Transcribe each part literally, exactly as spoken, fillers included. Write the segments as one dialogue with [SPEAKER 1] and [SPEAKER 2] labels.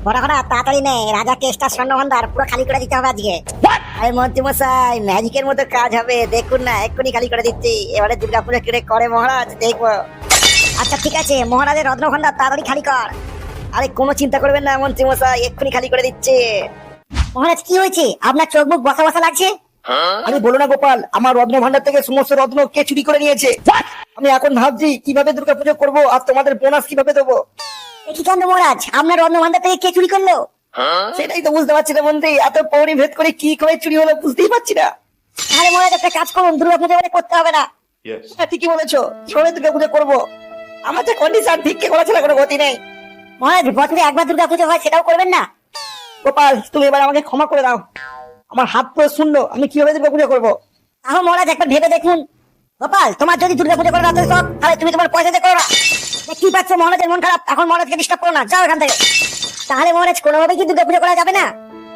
[SPEAKER 1] বড় করা তাড়াতাড়ি নে, রাজা কেষ্টা স্বর্ণভান্ডার পুরো খালি করে দিতে হবে আজকে। আরে মন্ত্রী মশাই, ম্যাজিকের মতো কাজ হবে, দেখুন না এক্ষুনি খালি করে দিচ্ছি। এবারে দুর্গাপুরে কিরে করে মহারাজ দেখবো। আচ্ছা ঠিক আছে, মহারাজের রত্নভান্ডার তাড়াতাড়ি খালি কর। আরে কোনো চিন্তা করবেন না মন্ত্রী মশাই, এক্ষুনি খালি করে দিচ্ছে। মহারাজ কি হয়েছে, আপনার চোখ মুখ বসা বসা লাগছে?
[SPEAKER 2] আরে বলো না গোপাল, আমার রত্ন ভান্ডার থেকে সমস্ত রত্ন কে চুরি করে নিয়েছে। আমি এখন ভাবছি কিভাবে দুর্গাপুজো করবো আর তোমাদের বোনাস কিভাবে দেবো।
[SPEAKER 1] কি কাণ্ড মহারাজ, আপনার রত্নভান্ডার থেকে কে চুরি করলো?
[SPEAKER 2] সেটাই তো বুঝতে পারছি না মন্ত্রী, এত পৌরি ভেদ করে কি করে চুরি হলো বুঝতেই পারছি না।
[SPEAKER 1] আরে মহারাজ একটা কাজ করুন, দুর্গাপুজো এবারে করতে হবে না।
[SPEAKER 2] হ্যাঁ ঠিকই বলেছো, কিভাবে দুর্গাপুজো করবো? আমার তো কন্ডিশন ভিক্ষে করা ছাড়া কোনো গতি নেই।
[SPEAKER 1] মহারাজ বছরে একবার দুর্গাপুজো হয়, সেটাও করবেন না?
[SPEAKER 2] গোপাল তুমি এবার আমাকে ক্ষমা করে দাও, আমার হাত পুরো শূন্য, আমি কিভাবে দুর্গাপুজো করবো?
[SPEAKER 1] তাহলে মহারাজ একবার ভেবে দেখুন। গোপাল, তোমার যদি দুর্গাপুজো করার রাতে শখ, তাহলে তুমি তোমার পয়সা দিয়ে করো না। কি পাচ্ছ, মহারাজের মন খারাপ, এখন মহারাজকে ডিস্টার্ব করো না, যাও এখান থেকে। তাহলে মহারাজ কোনোভাবে কি দুর্গাপুজো করা যাবে না?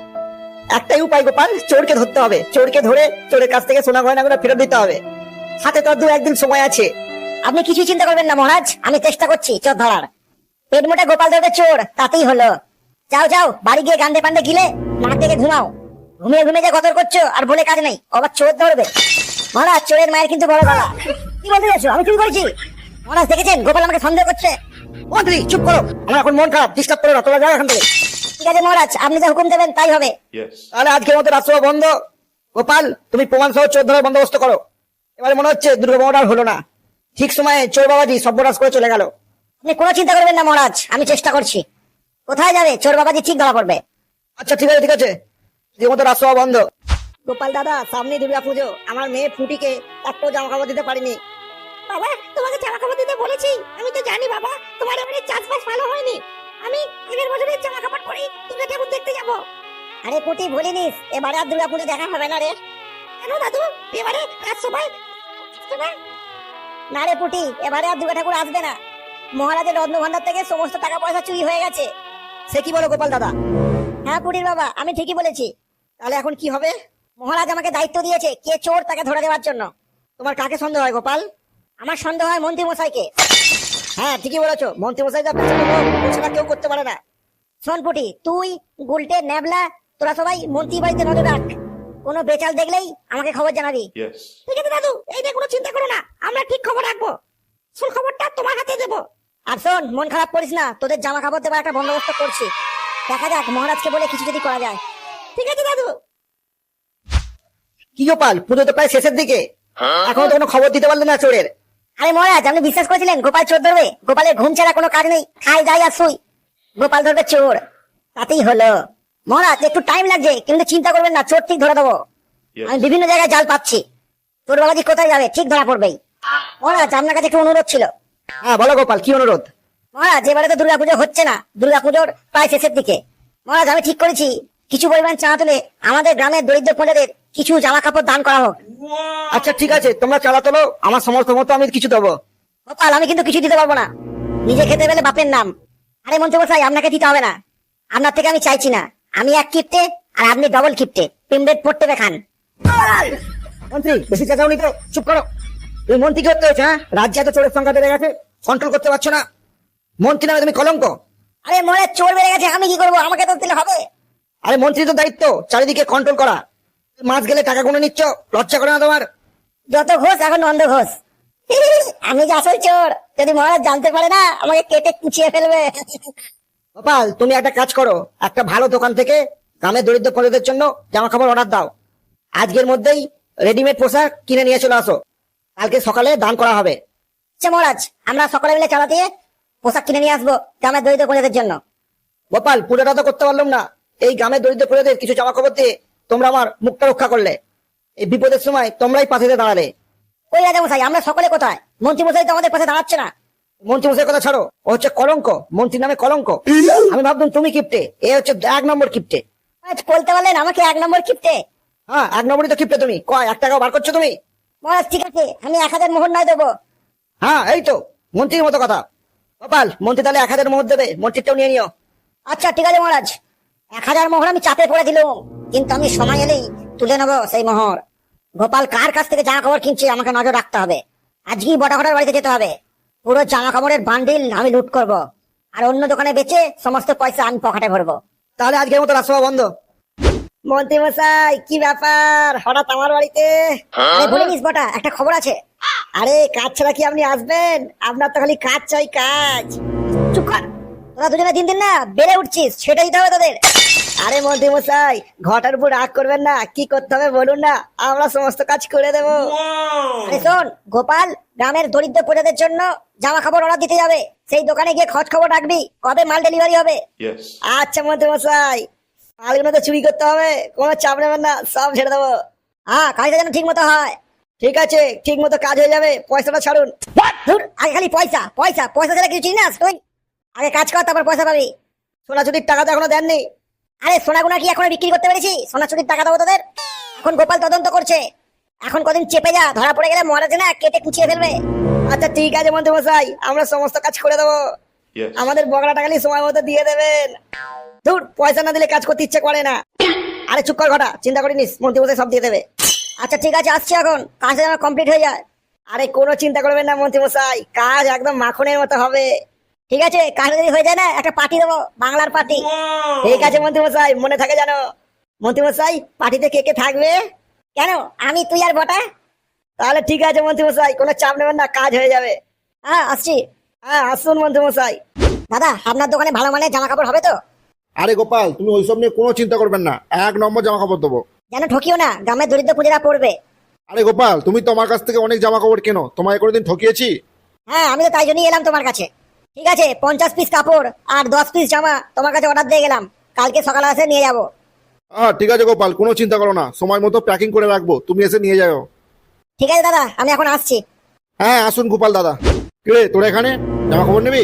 [SPEAKER 2] একটাই উপায় গোপাল, চোরকে ধরতে হবে। চোরকে ধরে চোরের কাছ থেকে সোনা গয়নাগুলো ফেরত দিতে হবে। হাতে তো আর দু একদিন সময় আছে।
[SPEAKER 1] আপনি কিছুই চিন্তা করবেন না মহারাজ, আমি চেষ্টা করছি চোর ধরার। পেট মোটা গোপাল ধরবে চোর, তাতেই হলো। যাও যাও, বাড়ি গিয়ে গান্ডে পান্ডে গিলে নাক থেকে ঘুমাও। ঘুমিয়ে ঘুমিয়ে যে গদর করছো আর বলে কাজ নেই, আবার চোর ধরবে। মহারাজ চোরের মায়ের কিন্তু বড় গলা। কি বলতে যাচ্ছ, আমি চুরি করেছি? মহারাজ দেখেছেন গোপাল আমাকে সন্দেহ করছে।
[SPEAKER 2] মন্ত্রী চুপ করো, আমার এখন মন খারাপ, ডিস্টার্ব করো না, তোমরা যাও এখান থেকে।
[SPEAKER 1] ঠিক আছে মহারাজ, আপনি যা হুকুম দেবেন তাই হবে।
[SPEAKER 2] তাহলে আজকের মতো রাজসভা বন্ধ। গোপাল তুমি প্রমাণ সহ চোর ধরার বন্দোবস্ত করো। এবারে মনে হচ্ছে দুর্গাপুজোটা হলো না, ঠিক সময়ে চোর বাবাজি সর্বনাশ করে চলে গেল।
[SPEAKER 1] আপনি কোনো চিন্তা করবেন না মহারাজ, আমি চেষ্টা করছি। কোথায় যাবে, চোর বাবাজি ঠিক ধরা পড়বে।
[SPEAKER 2] আচ্ছা ঠিক আছে ঠিক আছে, আজকের মতো রাজসভা বন্ধ।
[SPEAKER 1] গোপাল দাদা, সামনে দুর্গা পুজো, আমার মেয়ে ফুটিকে একটাও জামা কাপড় দিতে পারিনি। বাবা, তোমাকে জামা কাপড় দিতে বলেছি, আমি তো জানি বাবা তোমার এবারে চাষবাস ভালো হয়নি। আমি আগের বছরের জামা কাপড় পরে দুর্গা ঠাকুর দেখতে যাব। আরে পুটি ভুলিনিস, এবারে আর দুর্গা পুজো দেখা হবে না রে। কেন দাদু, এবারে কাজ সবাই না রে পুটি, এবারে আর দুর্গা ঠাকুর আসবে না। মহারাজের রত্ন ভান্ডার থেকে সমস্ত টাকা পয়সা চুরি হয়ে গেছে।
[SPEAKER 2] সে কি বলো গোপাল দাদা?
[SPEAKER 1] হ্যাঁ পুটির বাবা, আমি ঠিকই বলেছি।
[SPEAKER 2] তাহলে এখন কি হবে?
[SPEAKER 1] মহারাজ আমাকে দায়িত্ব দিয়েছে কে চোর তাকে ধরে দেওয়ার জন্য।
[SPEAKER 2] তোমার কাকে সন্দেহ হয় গোপাল?
[SPEAKER 1] আমার সন্দেহ হয় মন্ত্রী মশাইকে।
[SPEAKER 2] হ্যাঁ ঠিকই বলেছো, মন্ত্রী মশাই যা পেছনে লোক, ও ছাড়া কেউ করতে পারে না।
[SPEAKER 1] শোন পুটি, তুই গুলটে ন্যাবলা তোরা সবাই মন্ত্রী বাড়িতে নজর রাখ। কোনো বেচাল দেখলেই আমাকে খবর জানাবি। ঠিক আছে দাদু, এই নিয়ে কোনো চিন্তা করো না, আমরা ঠিক খবর রাখবো। শোন, খবরটা তোমার হাতে দেবো। আর শোন, মন খারাপ করিস না, তোদের জামা কাপড় দেবার একটা বন্দোবস্ত করছি। দেখা যাক মহারাজকে বলে কিছু যদি করা যায়। ঠিক আছে দাদু।
[SPEAKER 2] কি গোপাল, পুজো তো প্রায় শেষের দিকে, এখনো তো কোনো খবর দিতে পারলে না চোরের।
[SPEAKER 1] আরে মহারাজ, আপনি বিশ্বাস করেছিলেন গোপাল চোর ধরবে? গোপালের ঘুম ছাড়া কোনো কাজ নেই, খাই যাই আর শুই। গোপাল ধরবে চোর, তাতেই হলো। মহারাজ একটু টাইম লাগছে, কিন্তু চিন্তা করবেন না, চোর ঠিক ধরে দেবো। আমি বিভিন্ন জায়গায় জাল পাচ্ছি, চোর বাবাজি কোথায় যাবে ঠিক ধরা পড়বেই। মহারাজ আপনার কাছে একটু অনুরোধ ছিল।
[SPEAKER 2] হ্যাঁ বলো গোপাল, কি অনুরোধ?
[SPEAKER 1] মহারাজ এবারে তো দুর্গাপুজো হচ্ছে না, দুর্গাপুজোর প্রায় শেষের দিকে। মহারাজ আমি ঠিক করেছি কিছু পরিমাণ চাঁদা তুলে আমাদের গ্রামের দরিদ্র প্রজাদের কিছু জামা কাপড় দান করা হোক।
[SPEAKER 2] আচ্ছা ঠিক আছে, তোমরা চাঁদা তোলো, আমার সমর্থ মতো আমি কিছু দেবো।
[SPEAKER 1] গোপাল আমি কিন্তু কিছু দিতে পারবো না, নিজে খেতে পেলে বাপের নাম। আরে মন্ত্রী মশাই, আপনাকে দিতে হবে না, আপনার থেকে আমি চাইছি না। আমি এক কিপ্টে আর আপনি ডবল কিপ্টে, পিমডেট পড়তে খান।
[SPEAKER 2] মন্ত্রী বেশি চাচাওনি তো, চুপ করো। তুমি মন্ত্রী কি করতে হচ্ছে? হ্যাঁ, রাজ্যে এত চোরের সংখ্যা বেড়ে গেছে, কন্ট্রোল করতে পারছো না। মন্ত্রী নামে তুমি কলঙ্ক।
[SPEAKER 1] আরে মনে চোর বেড়ে গেছে, আমি কি করবো, আমাকে তো দিলে হবে।
[SPEAKER 2] আরে মন্ত্রী তো দায়িত্ব চারিদিকে কন্ট্রোল করা। মাছ গেলে টাকা গুনে নিচ্ছ, লজ্জা করে না তোমার?
[SPEAKER 1] যত ঘোষ এখন নন্দ ঘোষ। আমি যে আসল চোর, যদি মহারাজ জানতে পারে না, আমাকে কেটে কুচিয়ে ফেলবে।
[SPEAKER 2] গোপাল তুমি একটা কাজ করো, একটা ভালো দোকান থেকে গ্রামের দরিদ্র প্রজাদের জন্য জামা কাপড় অর্ডার দাও। আজকের মধ্যেই রেডিমেড পোশাক কিনে নিয়ে চলে আসো, কালকে সকালে দান করা হবে।
[SPEAKER 1] আচ্ছা মহারাজ, আমরা সকলে মিলে চাঁদা দিয়ে পোশাক কিনে নিয়ে আসবো গ্রামের দরিদ্র প্রজাদের জন্য।
[SPEAKER 2] গোপাল পুজোটা তো করতে পারলাম না, এই গ্রামের দরিদ্র প্রজাদের কিছু জামা কাপড় দিয়ে তোমরা আমার মুখটা রক্ষা করলে। এই বিপদের সময় তোমরাই পাশে দিয়ে দাঁড়ালে।
[SPEAKER 1] ওই রাজা মশাই, আমরা সকলে কোথায়? মন্ত্রী মশাই তো আমাদের পাশে দাঁড়াচ্ছে না।
[SPEAKER 2] মন্ত্রী মশাইয়ের কথা ছাড়ো, ও হচ্ছে কলঙ্ক, মন্ত্রী নামে কলঙ্ক। আমি ভাবতাম তুমি কিপ্টে, এ হচ্ছে এক নম্বর কিপ্টে।
[SPEAKER 1] আজ বলতে পারলেন আমাকে এক নম্বর কিপ্টে?
[SPEAKER 2] হ্যাঁ এক নম্বরই তো কিপ্টে তুমি। কয় এক টাকাও বার করছো তুমি?
[SPEAKER 1] মহারাজ ঠিক আছে, আমি এক হাজার মোহর নয় দেবো।
[SPEAKER 2] হ্যাঁ এই তো মন্ত্রীর মতো কথা। গোপাল মন্ত্রী তাহলে এক হাজার মোহর দেবে, মন্ত্রীটাও নিয়ে নিও।
[SPEAKER 1] আচ্ছা ঠিক আছে মহারাজ, এক হাজার মোহর আমি চাপে পড়ে দিলাম, কিন্তু আমি সময় এলেই তুলে নেবো সেই মোহর। গোপাল কার কাছ থেকে জামা কাপড় কিনছে আমাকে নজর রাখতে হবে। আজকেই বটা ঘটার বাড়িতে যেতে হবে, পুরো জামা কাপড়ের বান্ডিল আমি লুট করব। আর অন্য দোকানে বেচে সমস্ত পয়সা আমি পকেটে ভরবো।
[SPEAKER 2] তাহলে আজকের মতো রাজসভা বন্ধ।
[SPEAKER 1] মন্ত্রী মশাই কি ব্যাপার হঠাৎ আমার বাড়িতে? আরে বলে নিস বটা, একটা খবর আছে। আরে কাজ ছাড়া কি আপনি আসবেন? আপনার তো খালি কাজ চাই কাজ। চুপ কর, তোরা দুজনে দিন দিন না বেড়ে উঠছিস, সেটা দিতে হবে তোদের। আরে মন্ত্রী মশাই ঘটার উপর রাগ করবেন না, কি করতে হবে বলুন না, আমরা সমস্ত কাজ করে দেবো। আরে শোন গোপাল, গ্রামের দরিদ্র প্রজাদের জন্য জামা কাপড় অর্ডার দিতে যাবে, সেই দোকানে গিয়ে খোঁজ খবর রাখবি কবে মাল ডেলিভারি হবে।
[SPEAKER 3] Yes.
[SPEAKER 1] আচ্ছা মন্ত্রী মশাই, মালগুলো তো চুরি করতে হবে, কোনো চাপ নেবেন না, সব ছেড়ে দেবো। হ্যাঁ কাজটা যেন ঠিক মতো হয়। ঠিক আছে, ঠিক মতো কাজ হয়ে যাবে, পয়সাটা ছাড়ুন। ধুর, আগে খালি পয়সা পয়সা পয়সা ছাড়া কিছু চিনিস তুই? আগে কাজ কর, তারপর পয়সা পাবি।
[SPEAKER 2] সোনা চুরির টাকা তো এখনো দেননি।
[SPEAKER 1] আরে সোনাগুনা কি এখন বিক্রি করতে পেরেছি? সোনা চুরির টাকা দেবো তোদের? এখন গোপাল তদন্ত করছে, এখন কদিন চেপে যা, ধরা পড়ে গেলে মহারাজ না কেটে কুচিয়ে ফেলবে।
[SPEAKER 2] আচ্ছা ঠিক আছে মন্ত্রী মশাই, আমরা সমস্ত কাজ করে দেবো।
[SPEAKER 3] Yes.
[SPEAKER 2] আমাদের বগড়াটা খালি সময় মতো দিয়ে দেবেন। ধুর, পয়সা না দিলে কাজ করতে ইচ্ছে করে না। আরে চুপ কর ঘটা, চিন্তা করিনিস, মন্ত্রী মশাই সব দিয়ে দেবে।
[SPEAKER 1] আচ্ছা ঠিক আছে, আসছি এখন, কাজটা যেন কমপ্লিট হয়ে যায়।
[SPEAKER 2] আরে কোনো চিন্তা করবেন না মন্ত্রী মশাই, কাজ একদম মাখনের মতো হবে।
[SPEAKER 1] ঠিক আছে, কাজটা যদি হয়ে যায় না একটা পার্টি দেবো, বাংলার পার্টি।
[SPEAKER 2] ঠিক আছে মন্ত্রী মশাই, মনে থাকে জানো। মন্ত্রী মশাই পার্টিতে কে কে থাকবে?
[SPEAKER 1] কেন, আমি তুই আর বটা?
[SPEAKER 2] তাহলে ঠিক আছে মন্ত্রী মশাই, কোনো চাপ নেবেন না, কাজ হয়ে যাবে।
[SPEAKER 1] হ্যাঁ আসছি।
[SPEAKER 2] হ্যাঁ আসুন মন্ত্রী মশাই।
[SPEAKER 1] দাদা আপনার দোকানে ভালো মানের জামা কাপড় হবে তো?
[SPEAKER 4] আরে গোপাল, তুমি ওইসব নিয়ে কোনো চিন্তা করবেন না, এক নম্বর জামা কাপড় দেবো।
[SPEAKER 1] যেন ঠকিও না, গ্রামের দরিদ্র প্রজারা পড়বে।
[SPEAKER 4] আরে গোপাল, তুমি তো আমার কাছ থেকে অনেক জামা কাপড় কেনো, তোমায় কোনোদিন ঠকিয়েছি?
[SPEAKER 1] হ্যাঁ আমি তো তাই জন্যই এলাম তোমার কাছে। ঠিক আছে, পঞ্চাশ পিস কাপড় আর দশ পিস জামা তোমার কাছে অর্ডার দিয়ে গেলাম, কালকে সকালে এসে নিয়ে যাবো।
[SPEAKER 4] হ্যাঁ ঠিক আছে গোপাল, কোনো চিন্তা করো না, সময় মতো প্যাকিং করে রাখবো, তুমি এসে নিয়ে যাও।
[SPEAKER 1] ঠিক আছে দাদা, আমি এখন আসছি।
[SPEAKER 4] হ্যাঁ আসুন গোপাল দাদা। কিরে তোরা এখানে জামা কাপড় নিবি?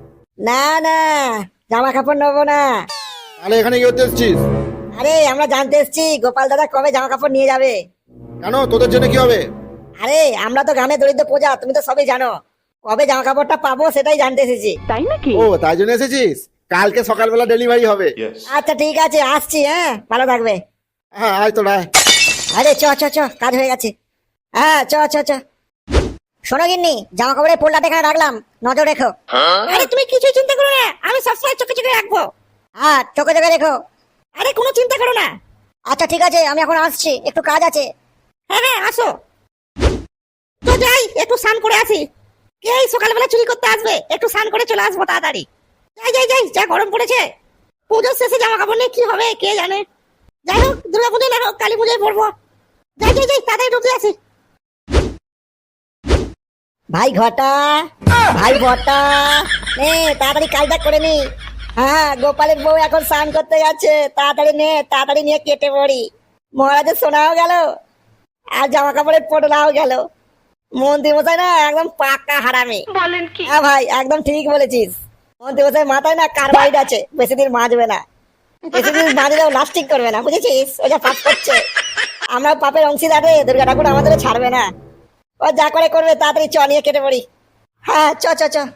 [SPEAKER 1] না না, জামা কাপড় নেবো না।
[SPEAKER 4] তাহলে এখানে কি করতে এসছিস?
[SPEAKER 1] আরে আমরা জানতে এসছি গোপাল দাদা কবে জামা কাপড় নিয়ে যাবে।
[SPEAKER 4] কেন, তোদের জন্য কি হবে?
[SPEAKER 1] আরে আমরা তো গ্রামের দরিদ্র প্রজা, তুমি তো সবই জানো, কবে জামা কাপড়টা পাবো সেটাই জানতে এসেছি।
[SPEAKER 4] ও তাই জন্য এসেছিস? কালকে সকালবেলা ডেলিভারি হবে।
[SPEAKER 3] Yes.
[SPEAKER 1] আচ্ছা ঠিক আছে, আসছি। হ্যাঁ ভালো থাকবে।
[SPEAKER 4] হ্যাঁ আয় তো রায়।
[SPEAKER 1] আরে চ চ চ, কাজ হয়ে গেছে। হ্যাঁ চ চ চ। শোনো গিন্নি, জামা কাপড়ের পোল্লাটা এখানে রাখলাম, নজর রেখো। আরে তুমি কিছু চিন্তা করো না, আমি সবসময় চোখে চোখে রাখবো। হ্যাঁ চোখে চোখে রেখো। আরে কোনো চিন্তা করো না। আচ্ছা ঠিক আছে, আমি এখন আসছি, একটু কাজ আছে। হ্যাঁ হ্যাঁ আসো। তো যাই, একটু স্নান করে আসি। কে এই সকালবেলা চুরি করতে আসবে? একটু স্নান করে চলে আসবো তাড়াতাড়ি। যাই যাই যাই, যা গরম পড়েছে। পুজোর শেষে জামা কাপড় নিয়ে কি হবে কে জানে। যাই হোক, দুর্গা পুজোয় না হোক, কালী পুজোয় পড়বো। যাই যাই যাই, তাড়াতাড়ি ঢুকে আসি। ভাই ঘটা, ভাই বটা, নে তাড়াতাড়ি কাজটা করে নি। হ্যাঁ গোপালের বউ এখন স্নান করতে গেছে, তাড়াতাড়ি নে, তাড়াতাড়ি নিয়ে কেটে পড়ি। মহারাজের সোনাও গেল আর জামা কাপড়ের পোটলাও গেল। মন্ত্রী মশাই না একদম পাক্কা হারামি। বলেন কি? হ্যাঁ ভাই একদম ঠিক বলেছিস, মন্ত্রী মশাই মাথায় না কার্বাইড আছে, বেশি দিন মাজবে না, বেশি দিন মাজলেও লাস্টিং করবে না, বুঝেছিস? ওই যা পাপ করছে, আমরা পাপের অংশীদার রে, দুর্গা ঠাকুর আমাদের ছাড়বে না। ও যা করে করবে, তাড়াতাড়ি চ নিয়ে কেটে পড়ি। হ্যাঁ চ চ চ।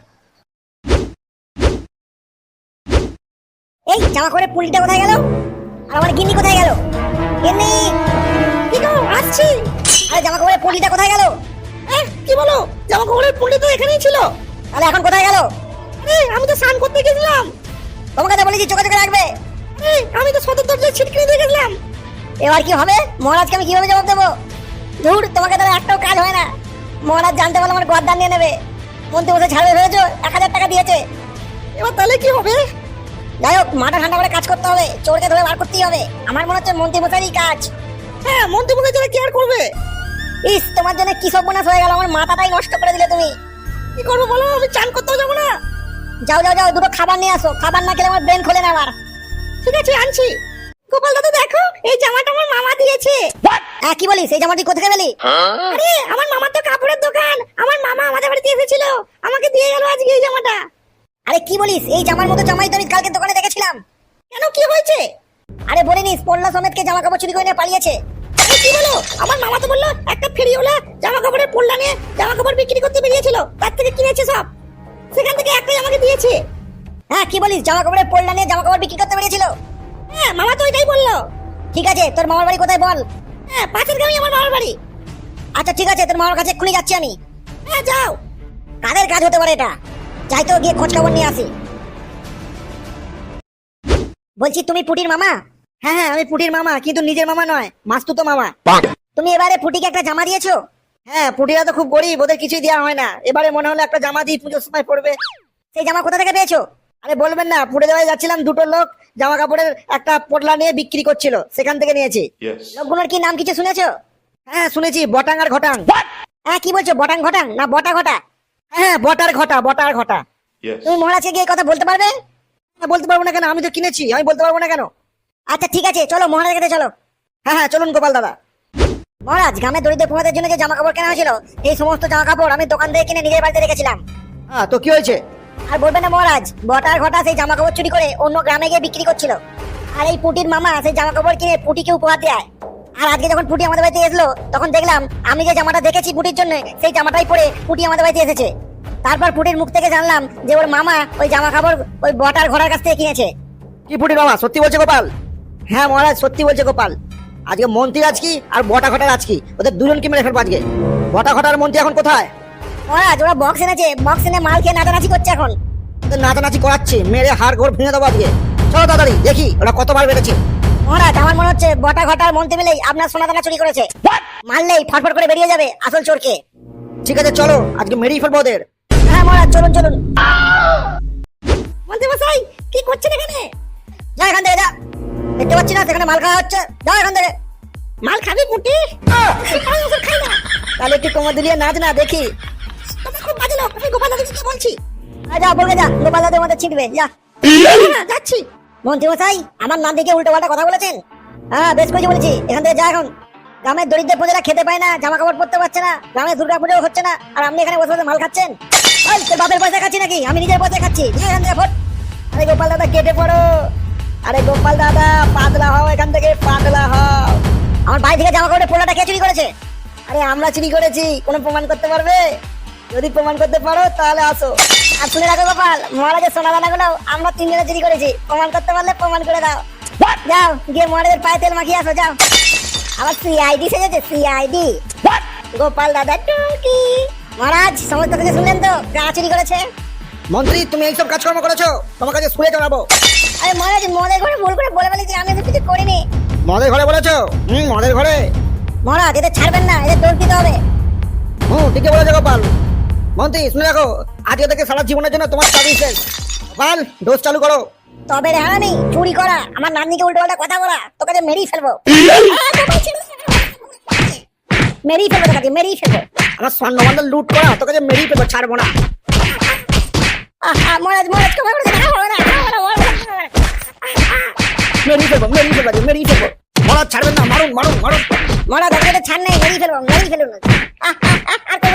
[SPEAKER 1] এই জামা করে পুলিটা কোথায় গেল? আর আমার গিন্নি কোথায় গেল? গিন্নি কি গো, আসছি। আরে জামা কাপড়ের পুলিটা কোথায় গেল? এহ, কি বলো? জামা কাপড়ের পুলি তো এখানেই ছিল। তাহলে এখন কোথায় গেল? আরে আমি তো স্নান করতে গেছিলাম। তোমাকে তো বলেছি চোখে চোখে রাখবে। এই আমি তো সদর দরজায় ছিটকিনি দিয়ে গেছিলাম। এবার কি হবে? মহারাজকে আমি কিভাবে জবাব দেবো? ধুর, তোমাকে তো একটাও কাজ হয় না। মহারাজ জানতে পারলে আমার গদ্দান নিয়ে নেবে। মন্ত্রী মশাই ছাড়বে ভেবেছো? এক হাজার টাকা দিয়েছে। এবার তাহলে কি হবে? যাই হোক, মাথা ঠান্ডা করে কাজ করতে হবে, চোরকে ধরে বার করতেই হবে। আমার মনে হচ্ছে মন্ত্রী মশাইই কাজ। হ্যাঁ মন্ত্রী মশাই ছাড়া কি আর করবে? ইস, তোমার জন্য কি সব বোনাস হয়ে গেল, আমার মাথাটাই নষ্ট করে দিলে তুমি। কি করবো বলো, আমি চান করতেও যাবো না। যাও যাও যাও, দুটো খাবার নিয়ে আসো, খাবার না খেলে আমার ব্রেন খোলে না আবার। ঠিক আছে আনছি। গোপাল দাদা দেখো, এই জামাটা আমার মামা দিয়েছে। হ্যাঁ কি বলিস, এই জামাটি কোথায় পেলি? আরে আমার মামার তো কাপড়ের দোকান, আমার মামা আমাদের বাড়িতে এসেছিল, আমাকে দিয়ে গেল আজকে এই জামাটা। আরে কি বলিস, এই জামার মতো জামাই তো আমি কালকে দোকানে দেখেছিলাম। কেন কি হয়েছে? আরে বলিনিস, পল্লা সমেতকে জামা কাপড় চুরি করে নিয়ে পালিয়েছে। আরে কি বলো, আমার মামা তো বললো একটা ফেরিওয়ালা জামা কাপড়ের পল্লা নিয়ে জামা কাপড় বিক্রি করতে বেরিয়েছিল, তার থেকে কিনেছে সব, সেখান থেকে একটাই আমাকে দিয়েছে। হ্যাঁ কি বলিস, জামা কাপড়ের পল্লা নিয়ে জামা কাপড় বিক্রি করতে বেরিয়েছিল? হ্যাঁ মামা তো এটাই বললো। ঠিক আছে, তোর মামার বাড়ি কোথায় বল? হ্যাঁ পাশের গ্রামে আমার মামার বাড়ি। আচ্ছা ঠিক আছে, তোর মামার কাছে এক্ষুনি যাচ্ছি আমি। হ্যাঁ যাও। কাদের কাজ হতে পারে এটা? যাই তো, গিয়ে খোঁজ খবর নিয়ে আসি। বলছি তুমি পুটির মামা?
[SPEAKER 2] হ্যাঁ হ্যাঁ আমি পুটির মামা, কিন্তু নিজের মামা নয়, মাস্তুতো মামা।
[SPEAKER 1] তুমি এবারে পুটিকে একটা জামা দিয়েছো?
[SPEAKER 2] হ্যাঁ, পুটিরা তো খুব গরিব, ওদের কিছুই দেওয়া হয় না। এবারে মনে হলো একটা জামা দিই, পুজোর সময় পড়বে।
[SPEAKER 1] সেই জামা কোথা থেকে পেয়েছো?
[SPEAKER 2] আরে বলবেন না, পুড়ে দেওয়ায় যাচ্ছিলাম, দুটো লোক জামা কাপড়ের একটা পোটলা নিয়ে বিক্রি করছিল, সেখান থেকে নিয়েছি।
[SPEAKER 3] Yes.
[SPEAKER 1] লোকগুলোর কি নাম কিছু শুনেছো?
[SPEAKER 2] হ্যাঁ শুনেছি, বটাং আর ঘটাং।
[SPEAKER 1] হ্যাঁ কি বলছো, বটাং ঘটাং না বটা ঘটা?
[SPEAKER 2] হ্যাঁ বটার ঘটা, বটার ঘটা।
[SPEAKER 3] Yes.
[SPEAKER 1] তুমি মহারাজকে গিয়ে এই কথা বলতে পারবে?
[SPEAKER 2] হ্যাঁ, বলতে পারবো না কেন? আমি তো কিনেছি, আমি বলতে পারবো না কেন?
[SPEAKER 1] আচ্ছা ঠিক আছে, চলো মহারাজের কাছে চলো।
[SPEAKER 2] হ্যাঁ হ্যাঁ চলুন গোপাল দাদা।
[SPEAKER 1] মহারাজ, গ্রামের দরিদ্র প্রজাদের জন্য যে জামা কাপড় কেনা হয়েছিল, এই সমস্ত জামা কাপড় আমি দোকান থেকে কিনে নিজের বাড়িতে রেখেছিলাম।
[SPEAKER 2] হ্যাঁ তো কি হয়েছে?
[SPEAKER 1] আর বলবেন না মহারাজ, বটার ঘটা সেই জামা কাপড় চুরি করে অন্য গ্রামে গিয়ে বিক্রি করছিল। আর এই পুটির মামা সেই জামা কাপড় কিনে পুটিকে উপহার দেয়। আর আজকে যখন পুটি আমাদের বাড়িতে এসলো, তখন দেখলাম আমি যে জামাটা দেখেছি পুটির জন্য, সেই জামাটাই পরে পুটি আমাদের বাড়িতে এসেছে। তারপর পুটির মুখ থেকে জানলাম যে ওর মামা ওই জামা কাপড় ওই বটার ঘোড়ার কাছ থেকে কিনেছে।
[SPEAKER 2] কি পুটির মামা সত্যি বলছে গোপাল? হ্যাঁ মহারাজ সত্যি বলছে গোপাল। আজকে মন্ত্রী আজ কি আর বটা ঘটার আজ কি, ওদের দুজনকে মেরে ফেলবো আজকে। বটা ঘটার মন্ত্রী এখন কোথায়?
[SPEAKER 1] মহারাজ ওরা বক্স এনেছে, বক্স এনে মাল খেয়ে নাচানাচি করছে এখন।
[SPEAKER 2] ওদের নাচানাচি করাচ্ছি, মেরে হাড় ঘোর ভেঙে দেবো আজকে। চলো তাড়াতাড়ি দেখি ওরা কতবার বেড়েছে।
[SPEAKER 1] মহারাজ আমার মনে হচ্ছে বটা ঘটার মন্ত্রী মিলেই আপনার সোনা দানা চুরি করেছে। মারলেই ফটফট করে বেরিয়ে যাবে আসল চোরকে।
[SPEAKER 2] ঠিক আছে চলো, আজকে মেরেই ফেলবো ওদের।
[SPEAKER 1] হ্যাঁ মহারাজ চলুন চলুন। মন্ত্রী মশাই কি করছেন এখানে? যা এখান থেকে যা, দেখতে পাচ্ছি না সেখানে মাল খাওয়া হচ্ছে, যাও এখান থেকে। মাল খাবি পুটি? খাই না।
[SPEAKER 2] তাহলে একটু কোমর দুলিয়ে নাচ না দেখি।
[SPEAKER 1] তুমি খুব বাজে লোক, আমি গোপাল দাদাকে কি বলছি? যা বলবে যা, গোপাল দাদের মধ্যে ছিটবে যা। না, যাচ্ছি। মন্ত্রী মশাই আমার নাম দিকে উল্টো পাল্টা কথা বলেছেন। হ্যাঁ বেশ করেছি বলেছি, এখান থেকে যা এখন। গ্রামের দরিদ্র প্রজারা খেতে পায় না, জামা কাপড় পরতে পারছে না, গ্রামে দুর্গা পুজো হচ্ছে না, আর আপনি এখানে বসে বসে মাল খাচ্ছেন। ওই, তোর বাপের পয়সা খাচ্ছি নাকি? আমি নিজের পয়সা খাচ্ছি। যা এখান থেকে ফট।
[SPEAKER 2] আরে গোপাল দাদা কেটে পড়ো। আরে গোপাল দাদা পাতলা হও, এখান থেকে পাতলা হও।
[SPEAKER 1] আমার বাড়ি থেকে জামা কাপড়ের পোলাটা কে চুরি করেছে?
[SPEAKER 2] আরে আমরা চুরি করেছি, কোনো প্রমাণ করতে পারবে? যদি প্রমাণ করতে পারো তাহলে আসো।
[SPEAKER 1] আর শুনে রাখো গোপাল, মহারাজের সোনা দানা গুলো আমরা তিনজনে চুরি করেছি। প্রমাণ করতে পারলে প্রমাণ করে দাও। যাও গিয়ে মহারাজের পায়ে তেল মাখিয়ে আসো যাও। আবার সিআইডি সেজেছে, সিআইডি। গোপাল দাদা টুকি। মহারাজ সমস্ত কিছু শুনলেন তো, কারা চুরি করেছে?
[SPEAKER 2] মন্ত্রী তুমি এইসব কাজকর্ম করেছো, তোমার কাছে স্কুলে জানাবো।
[SPEAKER 1] আরে মহারাজ মদের ঘরে ভুল করে বলে ফেলেছি, আমি এসব কিছু করিনি।
[SPEAKER 2] মদের ঘরে বলেছো? হুম মদের ঘরে।
[SPEAKER 1] মহারাজ এদের ছাড়বেন না, এদের দোষ দিতে হবে।
[SPEAKER 2] হুম ঠিকই বলেছো গোপাল। মন্ত্রী শুনে রাখো, আজকে থেকে সারা জীবনের জন্য তোমার চাকরি শেষ। গোপাল ডোজ চালু করো।
[SPEAKER 1] তবে রে হারামি, চুরি করা, আমার নাতনিকে উল্টো পাল্টা কথা বলা, তোকে যে মেরেই ফেলবো। মেরেই ফেলবো তোকে, মেরেই ফেলবো।
[SPEAKER 2] আমার স্বর্ণমন্ডল লুট করা, তোকে যে মেরেই ফেলবো, ছাড়বো না।
[SPEAKER 1] আহা, মহারাজ মহারাজ ক্ষমা করে দিন, ক্ষমা করে দিন, ক্ষমা করে দিন, মহারাজ, মহারাজ।
[SPEAKER 2] মেরেই ফেলবো, মেরেই ফেলবো আজকে, মেরেই ফেলবো। মহারাজ ছাড়বেন না, মারুন মারুন মারুন।
[SPEAKER 1] মহারাজ আপনাকে ছাড় নেই, মেরেই ফেলবো, মেরেই ফেলুন। আহ, আহ, আহ, আর